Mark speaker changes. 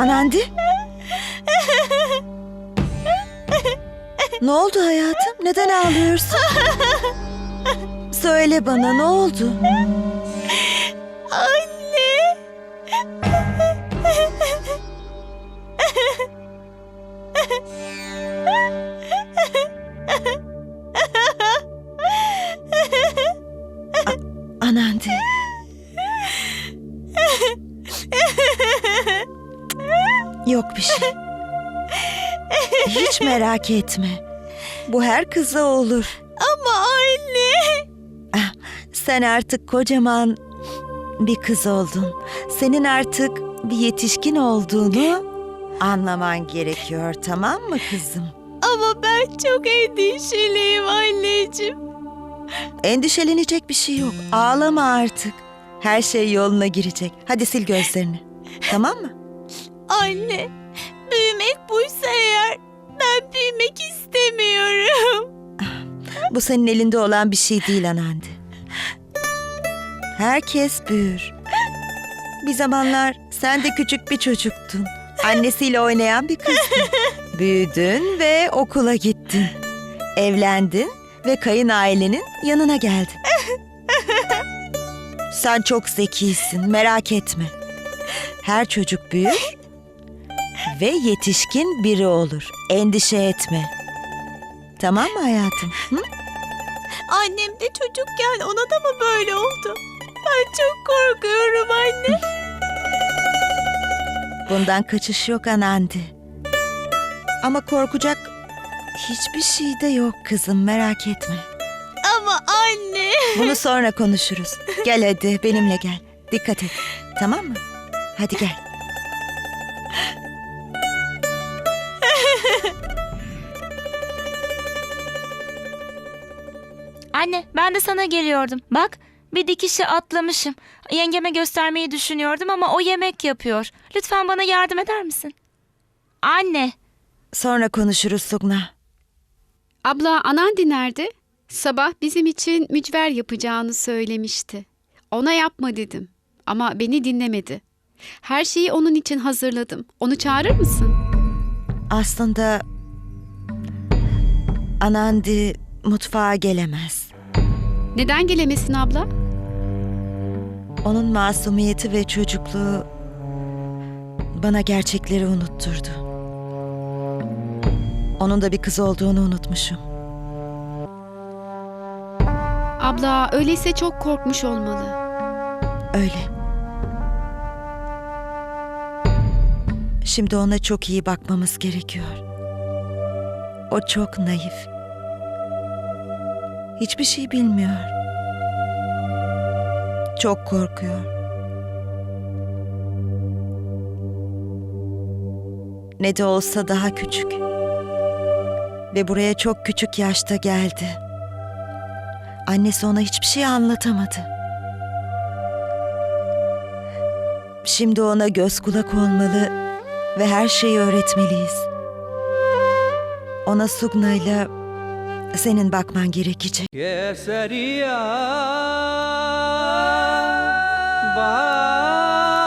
Speaker 1: Anandi? Ne oldu hayatım? Neden ağlıyorsun? Söyle bana, ne oldu?
Speaker 2: Anne.
Speaker 1: Anandi. Yok bir şey. Hiç merak etme. Bu her kıza olur.
Speaker 2: Ama anne.
Speaker 1: Sen artık kocaman bir kız oldun. Senin artık bir yetişkin olduğunu anlaman gerekiyor, tamam mı kızım?
Speaker 2: Ama ben çok endişeliyim anneciğim.
Speaker 1: Endişelenecek bir şey yok. Ağlama artık. Her şey yoluna girecek. Hadi sil gözlerini. Tamam mı?
Speaker 2: Anne, büyümek buysa eğer ben büyümek istemiyorum.
Speaker 1: Bu senin elinde olan bir şey değil Anandi. Herkes büyür. Bir zamanlar sen de küçük bir çocuktun. Annesiyle oynayan bir kızdın. Büyüdün ve okula gittin. Evlendin ve kayınailenin yanına geldin. Sen çok zekisin, merak etme. Her çocuk büyür ve yetişkin biri olur. Endişe etme. Tamam mı hayatım? Hı?
Speaker 2: Annem de çocukken ona da mı böyle oldu? Ben çok korkuyorum anne.
Speaker 1: Bundan kaçış yok Anandi. Ama korkacak hiçbir şey de yok kızım, merak etme.
Speaker 2: Ama anne.
Speaker 1: Bunu sonra konuşuruz. Gel hadi benimle gel. Dikkat et. Tamam mı? Hadi gel.
Speaker 3: Anne, ben de sana geliyordum. Bak, bir dikişi atlamışım. Yengeme göstermeyi düşünüyordum ama o yemek yapıyor. Lütfen bana yardım eder misin? Anne,
Speaker 1: Sonra konuşuruz Sugna.
Speaker 4: Abla, Anandi nerede? Sabah bizim için mücver yapacağını söylemişti. Ona yapma dedim ama beni dinlemedi. Her şeyi onun için hazırladım. Onu çağırır mısın?
Speaker 1: Aslında Anandi mutfağa gelemez.
Speaker 4: Neden gelemesin abla?
Speaker 1: Onun masumiyeti ve çocukluğu bana gerçekleri unutturdu. Onun da bir kız olduğunu unutmuşum.
Speaker 4: Abla, öyleyse çok korkmuş olmalı.
Speaker 1: Öyle. Şimdi ona çok iyi bakmamız gerekiyor. O çok naif. Hiçbir şey bilmiyor. Çok korkuyor. Ne de olsa daha küçük. Ve buraya çok küçük yaşta geldi. Annesi ona hiçbir şey anlatamadı. Şimdi ona göz kulak olmalı ve her şeyi öğretmeliyiz. Ona Sugna'yla senin bakman gerekecek.
Speaker 5: केसरिया बा